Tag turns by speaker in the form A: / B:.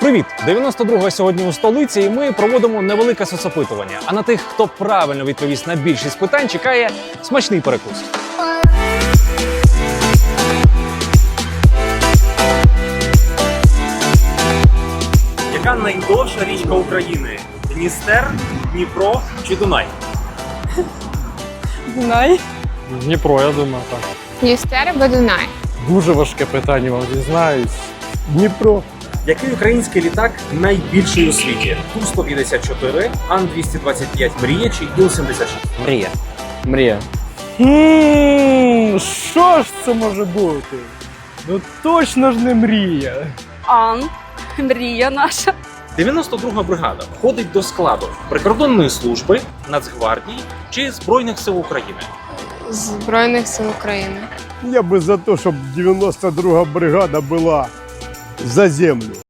A: Привіт! 92-га сьогодні у столиці, і ми проводимо невелике соцопитування. А на тих, хто правильно відповість на більшість питань, чекає смачний перекус. Яка найдовша річка України? Дністер, Дніпро чи Дунай?
B: Дунай.
C: Дніпро, я думаю, так.
D: Дністер або Дунай?
C: Дуже важке питання, вам дізнаюсь. Дніпро.
A: Який український літак найбільший у світі? Ту-154, Ан-225 «Мрія» чи Іл-76?
E: Мрія. Мрія.
C: Що ж це може бути? Ну точно ж не мрія.
B: Ан. Мрія наша.
A: 92-га бригада входить до складу прикордонної служби, Нацгвардії чи Збройних сил України.
D: Збройних сил України.
F: Я бы за то, чтобы 92-га бригада была за землю.